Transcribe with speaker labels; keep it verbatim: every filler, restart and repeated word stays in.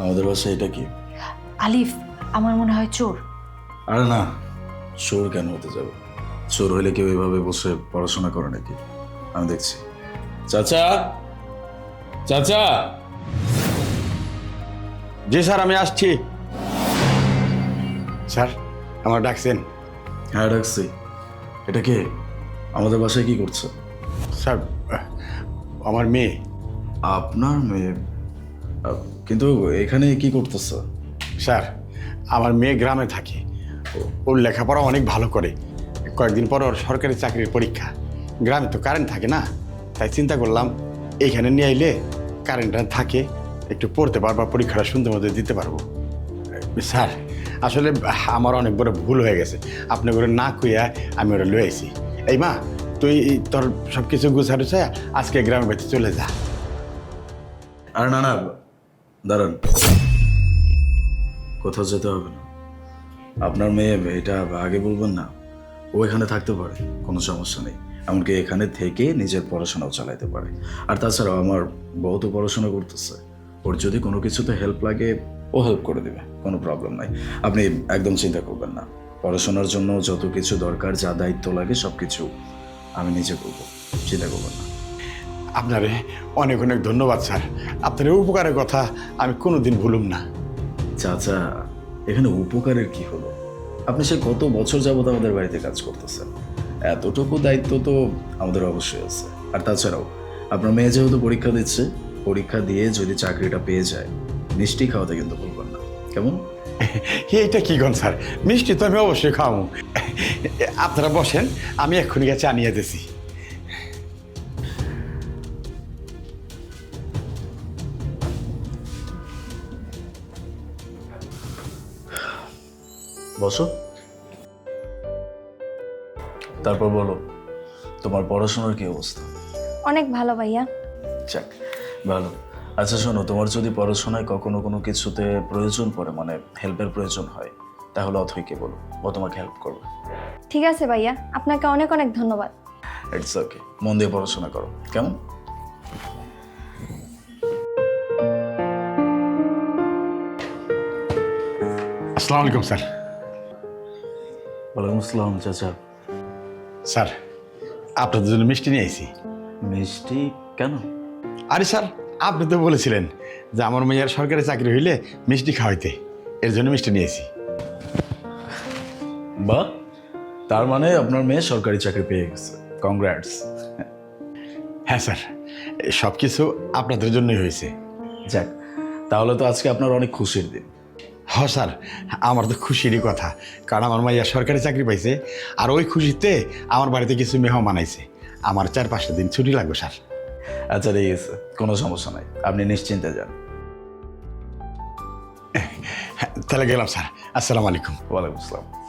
Speaker 1: আমাদের বাসায় এটা কি?
Speaker 2: আলিফ, আমার মনে হয় চোর।
Speaker 1: আরে না, চোর কেন হতে যাবে? চোর হইলে কেউ এভাবে বসে পড়াশোনা করে নাকি? আমি দেখছি। চাচা, চাচা।
Speaker 3: জি স্যার, আমি আসছি। স্যার, আমার ডাকছেন?
Speaker 1: হ্যাঁ ডাকছি। এটা কে? আমাদের বাসায় কি করছে?
Speaker 3: স্যার, আমার মেয়ে।
Speaker 1: আপনার মেয়ে? আহ, কিন্তু এখানে কি করতেছে?
Speaker 3: স্যার, আমার মেয়ে গ্রামে থাকে। ও- ওর লেখাপড়া অনেক ভালো করে। কয়েকদিন পর ওর সরকারি চাকরির পরীক্ষা। গ্রামে তো কারেন্ট থাকে না, তাই চিন্তা করলাম এইখানে নিয়ে আইলে কারেন্টটা থাকে, একটু পড়তে পারবো, পরীক্ষাটা সুন্দর মতো দিতে পারবো। স্যার, আসলে আমার অনেক বড় ভুল হয়ে গেছে। আপনি করে না কইয়া আমি ওরা লয়ে আইছি। এই মা, তুই তোর সব কিছু গুছাড়ু চাই আজকে গ্রামের বাড়িতে চলে যা।
Speaker 1: আর না না, দাঁড়ান, কোথাও যেতে হবে না। আপনার মেয়ে, এটা আগে বলবেন না? ও এখানে থাকতে পারে, কোনো সমস্যা নেই। এমনকি এখানে থেকে নিজের পড়াশোনাও চালাইতে পারে। আর তাছাড়াও আমার বউ তো পড়াশোনা করতেছে, ওর যদি কোনো কিছুতে হেল্প লাগে ও হেল্প করে দেবে, কোনো প্রবলেম নাই। আপনি একদম চিন্তা করবেন না। পড়াশোনার জন্য যত কিছু দরকার, যা দায়িত্ব লাগে সব কিছু আমি নিজে করবো, চিন্তা করবেন না।
Speaker 3: আপনারে অনেক অনেক ধন্যবাদ স্যার। আপনার এই উপকারের কথা আমি কোনোদিন ভুলুম না।
Speaker 1: চাচা, এখানে উপকারের কি হলো? আপনি সে কত বছর যাবত আমাদের বাড়িতে কাজ করতেছেন, এতটুকু দায়িত্ব তো আমাদের অবশ্যই আছে। আর তাছাড়াও আপনার মেয়ে যেহেতু পরীক্ষা দিচ্ছে, পরীক্ষা দিয়ে যদি চাকরিটা পেয়ে যায়, মিষ্টি খাওয়াতে কিন্তু বলবেন না, কেমন?
Speaker 3: এইটা কি গন স্যার, মিষ্টি তো আমি অবশ্যই খাওয়াবো। আপনারা বসেন, আমি এক্ষুনি গেছে আনিয়ে দিছি।
Speaker 1: বসো। তারপর বলো, তোমার পড়াশোনার কি অবস্থা?
Speaker 4: অনেক ভালো ভাইয়া।
Speaker 1: যাক, ভালো। আচ্ছা শোনো, তোমার যদি পড়াশোনায় কখনো কোনো কিছুতে প্রয়োজন পড়ে, মানে হেল্পের প্রয়োজন হয়, তাহলে অথৈকে বলো, ও তোমাকে হেল্প করবে।
Speaker 4: ঠিক আছে ভাইয়া, আপনাকে অনেক অনেক ধন্যবাদ।
Speaker 1: ইটস ওকে, মন দিয়ে পড়াশোনা করো, কেমন?
Speaker 3: আসসালামু আলাইকুম স্যার।
Speaker 1: ওয়ালাইকুম আসসালাম চাচা।
Speaker 3: স্যার, আপনাদের জন্য মিষ্টি নিয়ে আইছি।
Speaker 1: মিষ্টি কেন?
Speaker 3: আরে স্যার, আপনি তো বলেছিলেন যে আমার মেয়ের সরকারি চাকরি হইলে মিষ্টি খাওয়াইতে, এর জন্য মিষ্টি নিয়েছি।
Speaker 1: বা, তার মানে আপনার মেয়ে সরকারি চাকরি পেয়ে গেছে, কংগ্রাটস।
Speaker 3: হ্যাঁ স্যার, সব কিছু আপনাদের জন্যই হয়েছে।
Speaker 1: যাক, তাহলে তো আজকে আপনার অনেক খুশির দিন।
Speaker 3: হ স্যার, আমার তো খুশিরই কথা, কারণ আমার মাইয়া সরকারি চাকরি পাইছে। আর ওই খুশিতে আমার বাড়িতে কিছু মেহমান আইছে। আমার চার পাঁচটা দিন ছুটি লাগবে স্যার।
Speaker 1: আচ্ছা ঠিক আছে, কোনো সমস্যা নাই, আপনি নিশ্চিন্তে যান।
Speaker 3: হ্যাঁ, তাহলে গেলাম স্যার। আসসালামু আলাইকুম।
Speaker 1: ওয়ালাইকুম আসসালাম।